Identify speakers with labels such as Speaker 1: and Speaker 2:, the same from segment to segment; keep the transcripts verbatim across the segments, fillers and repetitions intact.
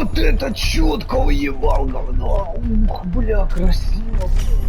Speaker 1: Вот это четко уебал говно. Ух, бля, красиво.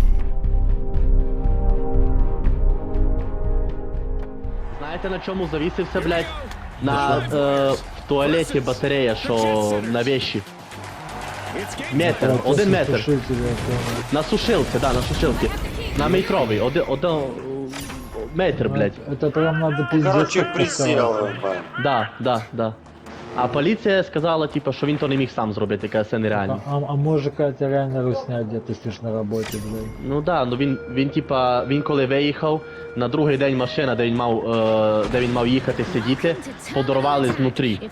Speaker 2: Знаєте, на чому завісився, блядь? На е, в туалеті батарея, що на вещі. Метр, один метр. На сушилці, да, на сушилці. На метровий, один, один метр, блядь.
Speaker 3: Это прям надо пиздец.
Speaker 4: Короче,
Speaker 3: как
Speaker 4: присел.
Speaker 3: поставить.
Speaker 2: Да, да, да. А поліція сказала, типа, що він то не міг сам зробити, яка це
Speaker 3: А,
Speaker 2: нереально.
Speaker 3: а, а може Катя реально русня где-то сидиш на роботі, блядь.
Speaker 2: Ну да, ну він, він типа, він коли виїхав, на другий день машина, де він мав, е, де він мав їхати сидіти, подарували знутрі.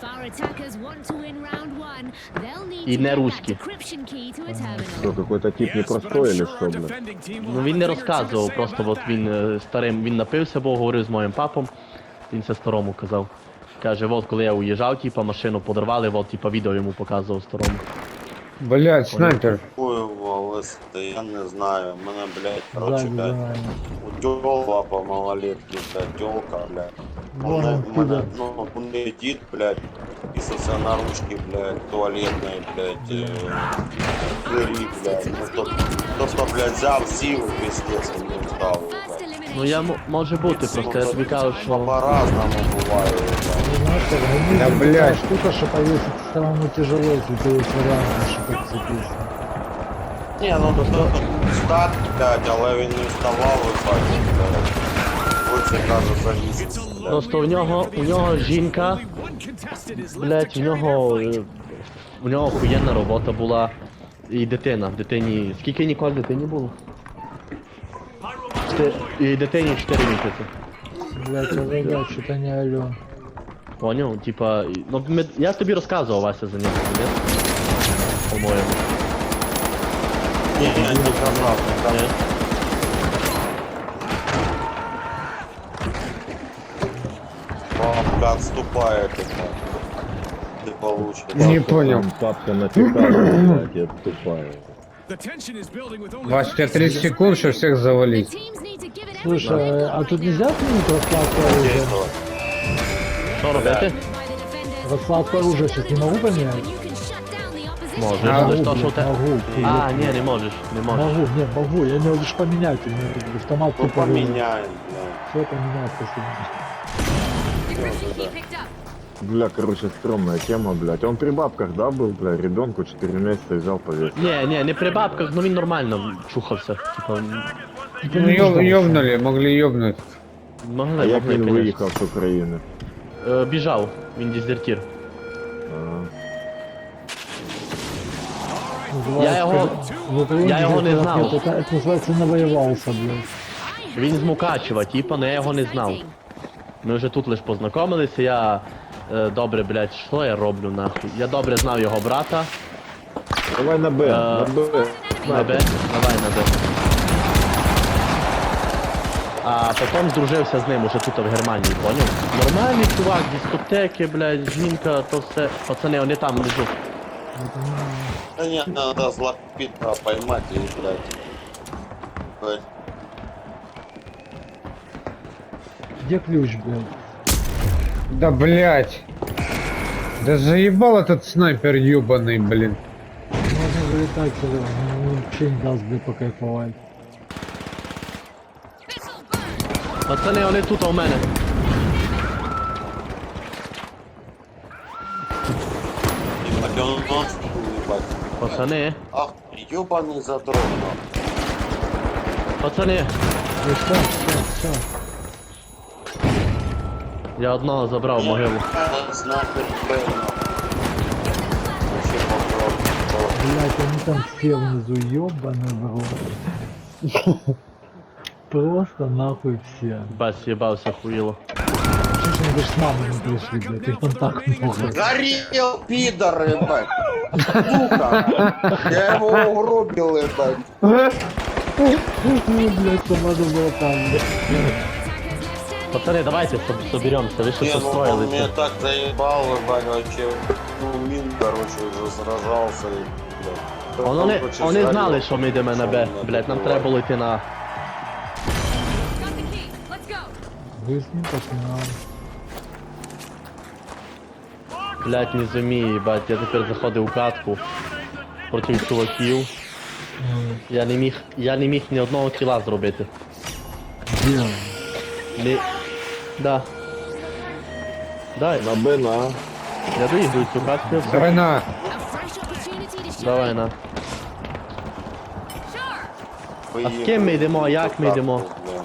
Speaker 5: И не русский.
Speaker 6: Что, какой-то тип непростой или что, блядь?
Speaker 2: Ну він не розказував, просто от він е, старим, він напився, бо говорив з моїм папом, він це старому казав. Каже, от коли я уїжджав, типа, машину подарували, от, типа, відео йому показував старому.
Speaker 1: Блять, снайпер.
Speaker 4: Хуево, листи, я не знаю. Мене, блядь, короче,
Speaker 3: Ззаді за
Speaker 4: блядь,
Speaker 3: нами.
Speaker 4: утёла по малолетке, блядь, тёлка, блядь.
Speaker 3: Вон
Speaker 4: Мене,
Speaker 3: он,
Speaker 4: мене,
Speaker 3: пидор.
Speaker 4: ну, у неї дід, блядь, і сосе на ручки, блядь, туалетної, блядь, э, двері, блядь. Ну, хто, хто, блядь, взяв, сів, пиздец, і не встав, блядь.
Speaker 2: Ну я м- може бути, просто я тобі кажу, що...
Speaker 4: По-разному буває, блядь.
Speaker 3: Ну, знаешь, как гонить
Speaker 1: Да,
Speaker 3: такая
Speaker 1: блядь.
Speaker 3: штука, что повесить самому тяжело, если ты есть вариант, что так цепиться.
Speaker 4: Ні, ну то встати, блядь, але він не вставав, виходить, блядь. Ось я кажу, завіситься, блядь.
Speaker 2: Просто у нього, у нього жінка, блять, у нього, е, у нього охуєнна робота була. І дитина, дитині, скільки Ніколь дитині було? Чти- І дитині чотири місяці.
Speaker 3: Блять, а ребят, что-то не алё.
Speaker 2: Поняв? Типа, і- ну ми, я ж тобі розказував, Вася, за нього, ні? По-моєму.
Speaker 4: Ні, ні, не казав, не казав.
Speaker 2: Ні?
Speaker 4: Бабка отступает, это. Ты получишь.
Speaker 1: Не понял.
Speaker 6: Там папка напекала, блядь, я тупая.
Speaker 1: Вась, у тебя тридцать секунд, чтобы всех завалить.
Speaker 3: Слушай, а тут нельзя отменить раскладку оружия?
Speaker 2: Що робити?
Speaker 3: Раскладку оружия сейчас не могу поменять?
Speaker 2: Можеш,
Speaker 1: А,
Speaker 2: але
Speaker 3: могу,
Speaker 2: ж то, що
Speaker 3: блядь,
Speaker 2: те...
Speaker 3: могу.
Speaker 2: А, ні, не можеш, не можеш.
Speaker 3: Могу, нет, могу, я не лишь поменять, у меня автомат
Speaker 4: Ну
Speaker 3: тупо
Speaker 4: поменяем, блядь.
Speaker 3: Все поменять, спасибо.
Speaker 6: Бля, короче, стрёмная тема, блядь. Он при бабках, да, был, бля, ребенку четыре месяца взял повесил.
Speaker 2: Ні, ні, не при бабках, ну він нормально чухався. Типа,
Speaker 1: Ну, ёб- ёбнули, могли ёбнуть.
Speaker 2: могли,
Speaker 6: А як
Speaker 2: могли,
Speaker 6: він
Speaker 2: конечно.
Speaker 6: виїхав з України?
Speaker 2: Е, Біжав, він дезертир.
Speaker 6: А,
Speaker 2: Я його- я його не знав.
Speaker 3: Это, это называется навоевался, блядь.
Speaker 2: Він з Мукачева, типа, но я його не знав. Ми вже тут лиш познайомилися, я е, добре, блядь, що я роблю нахуй? Я добре знав його брата.
Speaker 6: Давай на Б, на Б.
Speaker 2: На Б, давай на Б. А потім здружився з ним уже тут в Германії, поняв? Нормальний чувак, дискотеки, блядь, жінка, то все. Пацани, вони там лежуть.
Speaker 4: Да нет, надо злопитного поймать и, блядь. Блядь.
Speaker 3: Где ключ, блядь?
Speaker 1: Да блять. Да заебал этот снайпер ёбаный, блин.
Speaker 3: Можно вылетать сюда, ну, вообще не даст, блядь, покайфовать.
Speaker 2: Пацани, вони тут у мене.
Speaker 4: Ебать, он нос, ебать.
Speaker 2: Пацани,
Speaker 4: Ах, ёбаный задрот, нахуй.
Speaker 2: пацани,
Speaker 3: Ну все, все, все.
Speaker 2: я одного забрав в могилу.
Speaker 4: Э, Снайпер, блядь, нахуй. Вообще попробуй.
Speaker 3: Блядь, они там все внизу, ёбаный в рот. Просто нахуй все.
Speaker 2: Бас, їбався, хуїло.
Speaker 3: Что ж они даже с мамой не пришли, блядь, их там так много.
Speaker 4: Горел, пидор, ебать. Сука. Я его угробил, ебать.
Speaker 3: Ну, блядь, там надо было там, блядь.
Speaker 2: Пацани, давайте соб- соберемося, ви що
Speaker 4: Не,
Speaker 2: тут
Speaker 4: ну он меня
Speaker 2: строїлися.
Speaker 4: так заебал, ебать, вообще. Ну, мин, короче, уже сражался. И, блядь.
Speaker 2: А Вони,
Speaker 4: Короче,
Speaker 2: вони
Speaker 4: сгорел.
Speaker 2: знали, що ми йдемо на Б.
Speaker 4: Що
Speaker 2: Блять, нам
Speaker 4: мене
Speaker 2: треба було йти на...
Speaker 3: Вы с ним так не надо.
Speaker 2: Блять, не зумію, бать, я тепер заходив у катку проти чуваків. Я не міг, я не міг ні одного кіла зробити.
Speaker 3: Де?
Speaker 2: Не... Да. Дай,
Speaker 6: На Б, на.
Speaker 2: я доїду цю катку, все.
Speaker 1: Давай на.
Speaker 2: Давай на. А з ким ми йдемо, як ми йдемо?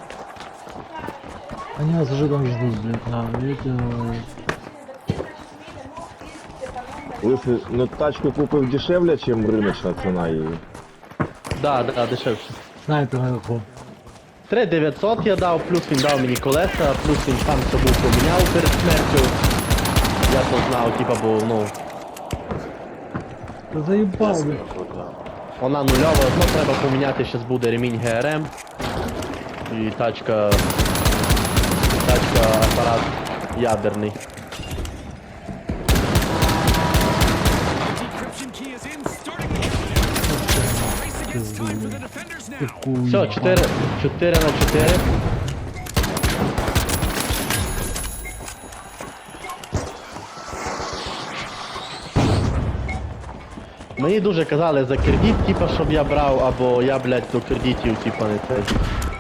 Speaker 3: Они нас уже там ждут, блядь, на, видите,
Speaker 6: Лысый, ну тачку купив дешевле, чем рыночная цена її.
Speaker 2: Да, да, дешевше.
Speaker 3: снайпер наверху.
Speaker 2: три дев'ятсот я дав, плюс він дав мені колеса, плюс він сам собі поміняв перед смертю. Я то знав, типа, бо, ну,
Speaker 3: Ты заебал, блядь.
Speaker 2: вона нульова, ну треба поміняти, зараз буде ремінь ГРМ. І тачка... Тачка, апарат ядерний.
Speaker 3: Ты хуй.
Speaker 2: Все, чотири, чотири на чотири. Мені дуже казали за кредит, типа, щоб я брав, або я, блядь, до кредитів, типа, не цей.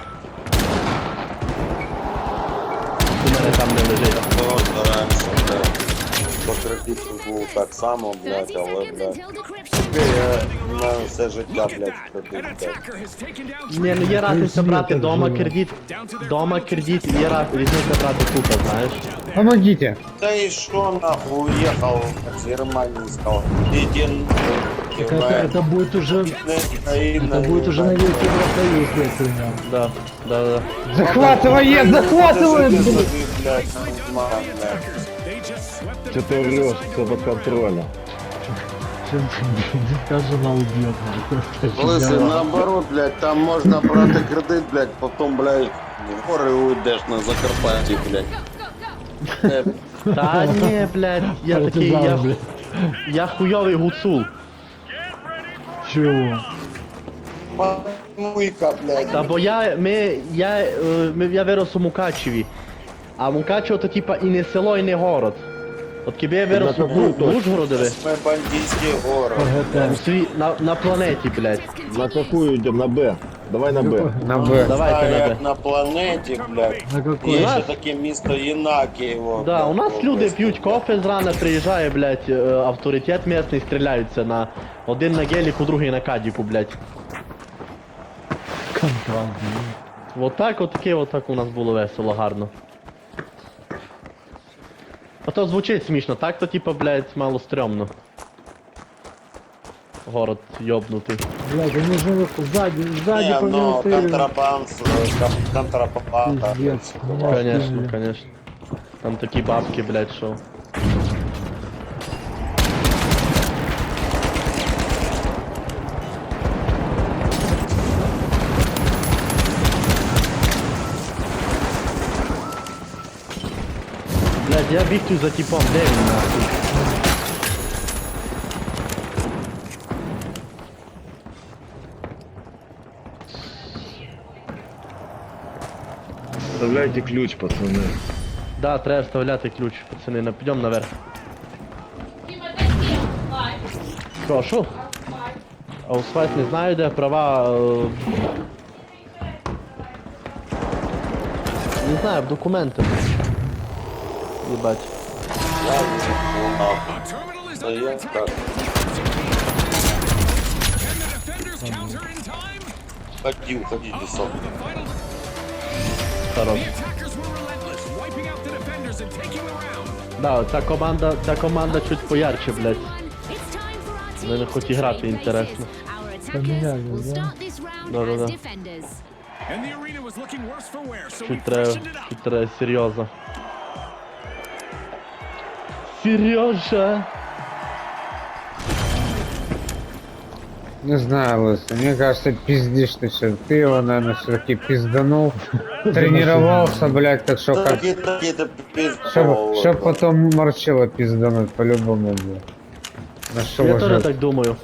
Speaker 2: У мене там не лежить.
Speaker 4: Ми стараємося, блядь. По кредиту був так само, блядь, але, блядь. Я на все життя, блядь, кредит, блядь.
Speaker 2: Ні, ну є разниця брати
Speaker 3: так
Speaker 2: дома
Speaker 3: живе.
Speaker 2: кредит, дома кредит, і є раз- різниця брати тут, знаєш.
Speaker 1: Помогите.
Speaker 4: Да и что нахуй уехал с Германии, сказал, иди
Speaker 3: Так это, это будет уже, это будет уже на весь Евросоюз, блядь, хуйня.
Speaker 2: Да, да, да.
Speaker 1: Захватывает, захватывает, блядь.
Speaker 4: блядь, нормально.
Speaker 6: Что ты врешь, все под контролем.
Speaker 3: Чем ты жена убьет, блядь.
Speaker 4: Лысый, наоборот, блядь, там можно брать кредит, блядь, потом, блядь, в горы уйдешь на Закарпатье, блядь. Э,
Speaker 2: Та ні, блядь, я такий, я,
Speaker 3: Партизан, блядь.
Speaker 2: я хуйовий гуцул.
Speaker 3: Чего?
Speaker 4: Муйка, блядь.
Speaker 2: Та бо я, ми, я, е, ми, я вирос у Мукачеві. А Мукачево то типа і не село, і не город. От кіби я вирос у
Speaker 6: какую
Speaker 2: в Ужгородові,
Speaker 4: Мы бандитский город.
Speaker 2: у
Speaker 3: ПГТ.
Speaker 2: свій, на, на планеті, блядь.
Speaker 6: На какую идем? На Б. Давай на Б.
Speaker 1: На Б.
Speaker 2: Давайте
Speaker 4: А
Speaker 2: на
Speaker 4: як
Speaker 2: Б.
Speaker 4: на планеті, блядь.
Speaker 3: На какой?
Speaker 4: Є
Speaker 2: нас-
Speaker 4: ще таке місто Єнакієво.
Speaker 2: Да,
Speaker 4: блядь,
Speaker 2: у нас
Speaker 4: в
Speaker 2: люди
Speaker 4: області,
Speaker 2: п'ють
Speaker 4: блядь.
Speaker 2: кофе зрана, приїжджає, блядь, е, авторитет місний, стріляються на один на геліку, другий на кадіку, блядь.
Speaker 3: Контроль, блядь.
Speaker 2: Вот так, от таке, от так у нас було весело, гарно. А то звучить смішно, так то типа, блядь, мало стрьомно. Город йобнутий.
Speaker 3: Блядь, они же сзади, сзади
Speaker 4: Не,
Speaker 3: по мне
Speaker 4: ну,
Speaker 3: стреляют.
Speaker 4: контрабанд, э, кон- контрабанда.
Speaker 3: Пиздец. Меня
Speaker 2: Конечно,
Speaker 3: скинули.
Speaker 2: конечно. Там такі бабки, блядь, шо. Блядь, я біг тут за типом, де він нахуй?
Speaker 6: Вставляйте ключ, пацаны.
Speaker 2: Да, треба вставляти ключ, пацани, на- підемо наверх. Прошу. А у свайт не знаю, де права. е, Не знаю, в документах. Єбать.
Speaker 4: Да я так. Ходи, уходи, десок.
Speaker 2: Хорош. Да, ця команда, ця команда чуть поярче, блядь.
Speaker 5: Мене хоч і грати інтересно.
Speaker 3: Поменяли, да?
Speaker 2: Да-да-да. Чуть треба, чуть треба серйозно. Сережа!
Speaker 1: Не знаю, Лысый, мне кажется, пиздишь ты все. Ты его, наверное, все-таки пизданул. Тренировался, блядь, так что как...
Speaker 4: Такие, такие-то
Speaker 1: Чтоб, чтоб
Speaker 4: пизды.
Speaker 1: потом морчило пиздануть по-любому, блядь. На что
Speaker 2: Я
Speaker 1: уже...
Speaker 2: теж так думаю.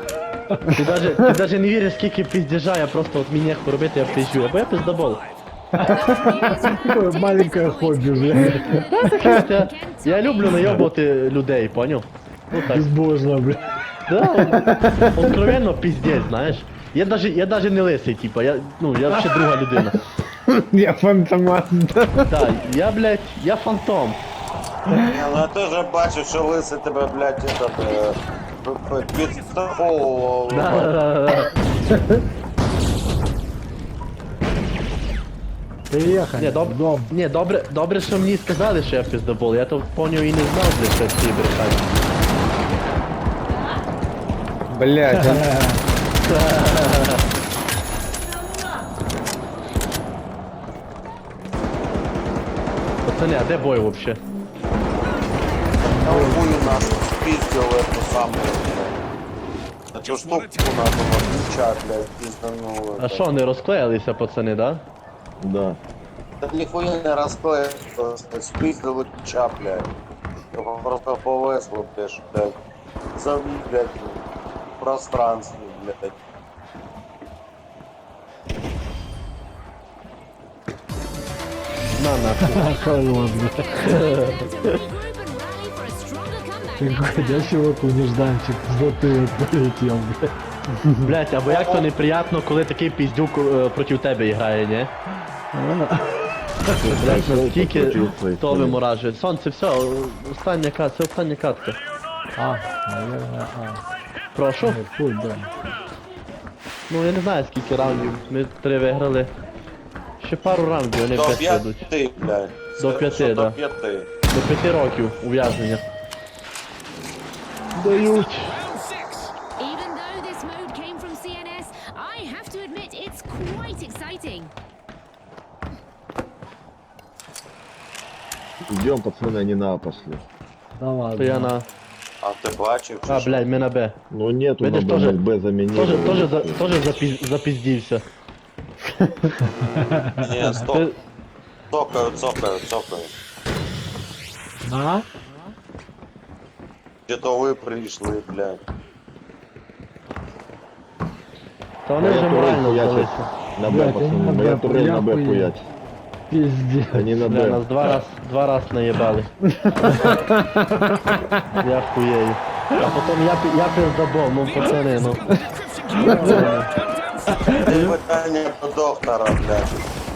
Speaker 2: Ти даже, ти даже не віриш, скільки піздежа, я просто от мені нехуй робити, я пизжу. Або я пиздобол.
Speaker 3: Такое маленькое хобби, блядь.
Speaker 2: Я, я люблю наебувати людей, понял? Ну так.
Speaker 3: Безбожно, блядь.
Speaker 2: Да, откровенно пиздец, знаєш. Я даже, я даже не лисий, типа, я, ну, я вообще друга людина.
Speaker 1: Я фантомас.
Speaker 2: Да, я, блядь, я фантом.
Speaker 4: Ні, ну я теж бачив, що лисий тебе, блядь, этот, е, п- п- підстраховував.
Speaker 2: Да, да, да, да.
Speaker 3: Приехали.
Speaker 2: Ні, доб...
Speaker 3: Дом.
Speaker 2: Ні, добре, добре, що мені сказали, що я пиздобол. Я то поняв і не знав, блядь, що всі брехать.
Speaker 1: Блять,
Speaker 2: Пацани, а де бой вообще?
Speaker 4: Там хую нас спиздил эту самую, блядь. Эту штуку надо отключать, блядь, пиздануло.
Speaker 2: А що, не розклеїлися, пацани, да?
Speaker 6: Да.
Speaker 4: Да нихуя не расклеил, спиздил ключа, блядь. Его просто повесло, блядь, блядь. Зави, блядь, в пространстве, блядь.
Speaker 2: На нахуй.
Speaker 3: Хорош, блядь. Ты ходячий нежданчик в затылок полетел, блядь.
Speaker 2: Блять, або як то неприятно, коли такий піздюк е, проти тебе грає, ні? Блять, наскільки то виморажує. Сонце, все, остання катка, це остання катка.
Speaker 3: А, наверное, а.
Speaker 2: Прошу.
Speaker 3: Нет, фуль, да.
Speaker 2: Ну я не знаю скільки раундів, ми три виграли. Ще пару раундів, вони
Speaker 4: До
Speaker 2: п'ять ведуть.
Speaker 4: пяти, блядь.
Speaker 2: До
Speaker 4: Скажи,
Speaker 2: п'яти,
Speaker 4: що
Speaker 2: да.
Speaker 4: До пяти.
Speaker 2: До п'яти років ув'язнення. Дають.
Speaker 5: Even though this mode came from C N S, I have to admit it's quite exciting.
Speaker 6: Идем, пацаны, они на А пошли.
Speaker 3: Да ладно.
Speaker 2: То я на...
Speaker 4: А ти бачив, чи
Speaker 2: А,
Speaker 4: що?
Speaker 2: блядь, ми на Б.
Speaker 6: Ну нету
Speaker 2: Видишь,
Speaker 6: на
Speaker 2: тоже-
Speaker 6: Б, Б заменили.
Speaker 2: Тоже, тоже, за, тоже запіз, запіздівся.
Speaker 4: Ні, стоп.
Speaker 2: Ти-
Speaker 4: Цокаю, цокаю, цокаю.
Speaker 3: На?
Speaker 4: Чи то ви прийшли, блядь.
Speaker 2: Та вони
Speaker 6: Моя
Speaker 2: вже
Speaker 6: турель
Speaker 2: морально
Speaker 6: хуячит.
Speaker 2: здалися.
Speaker 6: На Б,
Speaker 3: Блядь, они
Speaker 6: пацаны,
Speaker 3: на
Speaker 6: моя
Speaker 3: Б,
Speaker 6: турель на Б
Speaker 3: хуя.
Speaker 6: хуять.
Speaker 3: Пиздец.
Speaker 6: Они на
Speaker 2: Бля,
Speaker 6: Б.
Speaker 2: нас два раз, два раз наїбали. Я хуєю. А потім я, пі- я пиздобол, ну пацани, ну.
Speaker 4: Ти питання до доктора, блядь.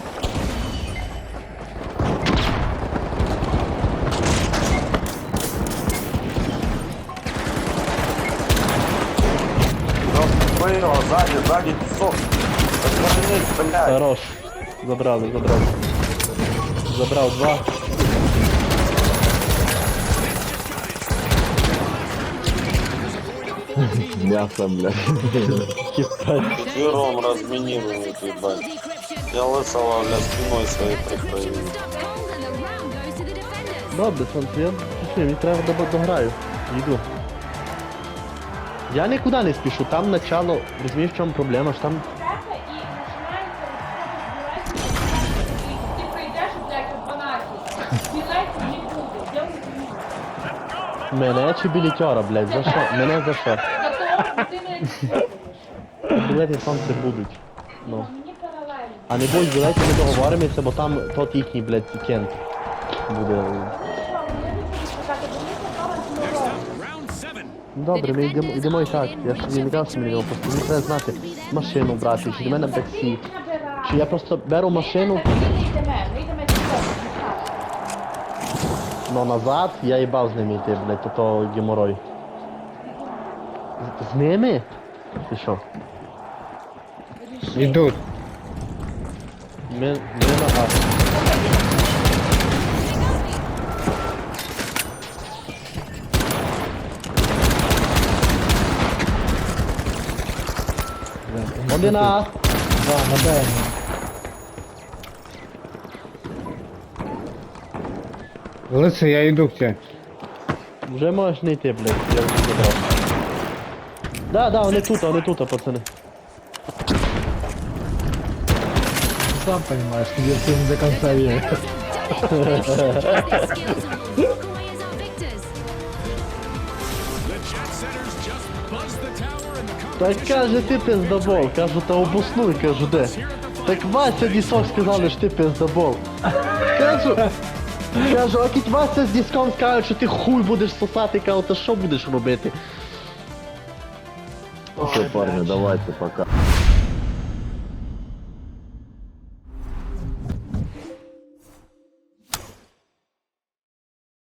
Speaker 4: Ну, його, ззаді, ззаді, пісок. Розвернись, блядь.
Speaker 2: Хорош. Забрали, забрали. Забрав два.
Speaker 6: Мясо, блядь.
Speaker 2: Кіпать.
Speaker 4: Четвером разминировали, ебать. Я лысого, бля, спиной своей прикрою.
Speaker 2: Добре, сонце, я пішли, мені треба до- дограю. Йду. Я нікуди не спішу, там начало, розумієш, в чому проблема, що там
Speaker 7: Ты прийдеш, блядь, о дванадцятій. Білеті не буде. Делай
Speaker 2: мене чи білітьора, блядь, за що? Мене за що?
Speaker 7: за того, що ти не
Speaker 2: Білети сонце будуть. Ну.
Speaker 7: мені паралельно.
Speaker 2: А не будь, давайте ми договоримося, бо там тот їхній, блядь, тікент буде. Добре, ми йдемо, йдемо і так. Я ж тобі не казав, що ми йдемо, просто мені треба знати машину брати, чи до мене таксі. Чи я просто беру машину,
Speaker 7: Ми не йдемо, ми йдемо до того.
Speaker 2: но назад я їбав з ними йти, блядь, то то геморой. З, з ними? Ти що?
Speaker 1: Идут.
Speaker 2: Ми, ми на газ. Один на А.
Speaker 3: Да, на Б.
Speaker 1: Лысый, я иду к тебе.
Speaker 2: Вже можеш не йти, блядь, я вже забрав. Да, да, вони тут, вони тут, пацани.
Speaker 3: Ты сам понимаешь, где ты не до конца веришь.
Speaker 2: Так каже ти пиздобол, кажу, та обоснуй, кажу, де. Так Вася Дісок сказали, що ти пиздобол. Кажу, кажу, а кіть Вася з Діском скажуть, що ти хуй будеш сосати, кажу, то що будеш робити?
Speaker 6: Все, парни, давайте, пока.